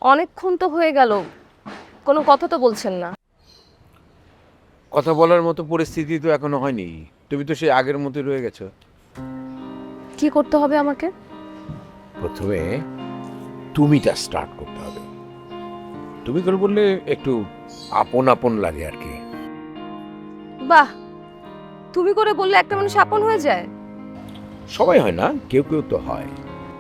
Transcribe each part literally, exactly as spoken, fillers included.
অনেকক্ষণ তো হয়ে গেল, কোনো কথা তো বলছেন না। কথা বলার মতো পরিস্থিতি তো এখনো হয়নি। তুমি তো সেই আগের মতো রয়ে গেছো। কি করতে হবে আমাকে? প্রথমে তুমিটা স্টার্ট করতে হবে। তুমি করে বললে একটু আপন আপন লাগে আর কি। বাহ, তুমি করে বললে একটা মানুষ আপন হয়ে যায়? সবাই হয় না, কেউ কেউ তো হয়।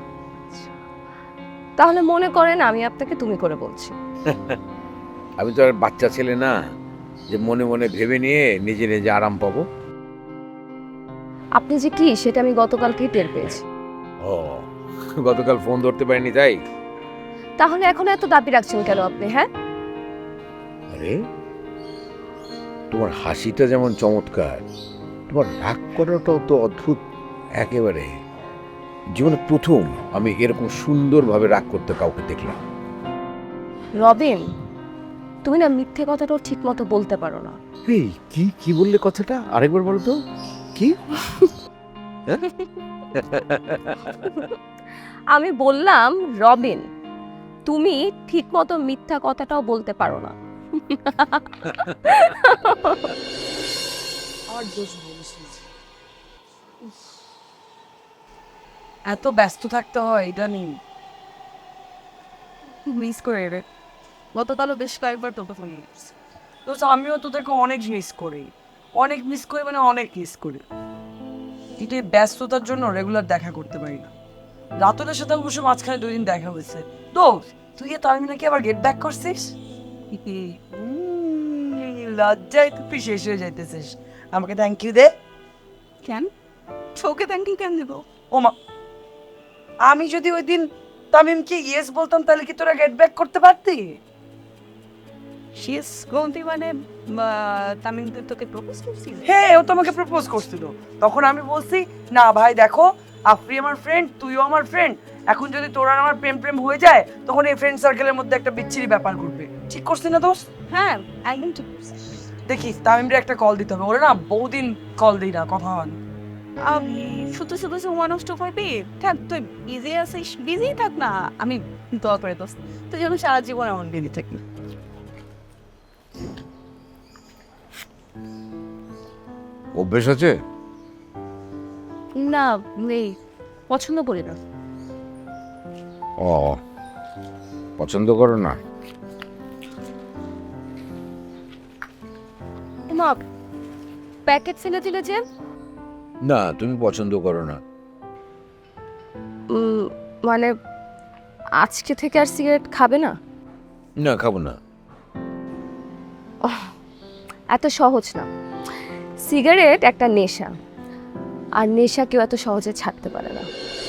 তাহলে মনে করেন আমি আপনাকে তুমি করে বলছি। আমি তো আর বাচ্চা ছেলে না যে মনে মনে ভেবে নিয়ে নিজে নিজে আরাম পাবো। আপনি যে কি সেটা আমি গতকালকেই টের পেয়েছি। ও, গতকাল ফোন ধরতে পারিনি তাই? তাহলে এখন এত দাবি রাখছেন কেন আপনি? হ্যাঁ, আরে তোমার হাসিটা যেমন চমৎকার, তোমার রাগ করাটাও তো অদ্ভুত একেবারে। জীবনে প্রথম আমি এরকম সুন্দরভাবে রাগ করতে কাউকে দেখলাম। রবিন, তুমি না মিথ্যে কথাটাও ঠিক মতো বলতে পারো না। এই কি কি বললে কথাটা আরেকবার বলো তো। কি? আমি বললাম রবিন, তুমি ঠিক মতো মিথ্যা কথাটাও বলতে পারো না। আর দোষ বলছিস, এত ব্যস্ত থাকতে হয় এটা নেই। মিস করে রে, গতকালও বেশ কয়েকবার তোকে ফোন করছি। তো আমিও তোদেরকে অনেক মিস করি, অনেক মিস করি, মানে অনেক মিস করি। কিন্তু এই ব্যস্ততার জন্য রেগুলার দেখা করতে পারি না। রাতুলের সাথে অবশ্য মাঝখানে দুই দিন দেখা হয়েছে। তো তুই তার নাকি আবার গেট ব্যাক করছিস? উম, লজ্জায় তুই শেষ হয়ে যাইতেছিস। আমাকে থ্যাংক ইউ দে। কেন তোকে থ্যাংক ইউ কেন দেবো? ও মা, আমি যদি ওই দিন তামিমকে ইয়েস বলতাম তাহলে কি তোরা গেট ব্যাক করতে পারতি? শেষ গন্তি মানে তামিম তোকে প্রপোজ করছিল? হ্যাঁ, ও তোমাকে প্রপোজ করছিল। তখন আমি বলছি না ভাই দেখো, আফরি আমার ফ্রেন্ড, তুইও আমার ফ্রেন্ড। এখন যদি তোরা আর আমার প্রেম প্রেম হয়ে যায় তখন এই ফ্রেন্ড সার্কেলের মধ্যে একটা বিচ্ছিরি ব্যাপার ঘটবে। ঠিক করছি না দোস্ত? হ্যাঁ একদম ঠিক বলছিস। দেখিস তামিমরে একটা কল দিতে হবে, ওরে না বহুদিন কল দিই না, কথা হয় না। আমি শুধু শুধু সময় নষ্ট করবি? থাক, তুই বিজি আছিস, বিজি থাক না। আমি দোয়া করে দোস্ত তুই যেন সারা জীবন এমন বিজি থাকি। অভ্যেস আছে? না, নেই, পছন্দ করি না। ও, পছন্দ করো না? মা, প্যাকেট ছেলে দিলে যে? না, তুমি পছন্দ করো না। উম, মানে আজকে থেকে আর সিগারেট খাবে না? না, খাবো না। এত সহজ না। সিগারেট একটা নেশা, আর নেশা কেউ এত সহজে ছাড়তে পারে না।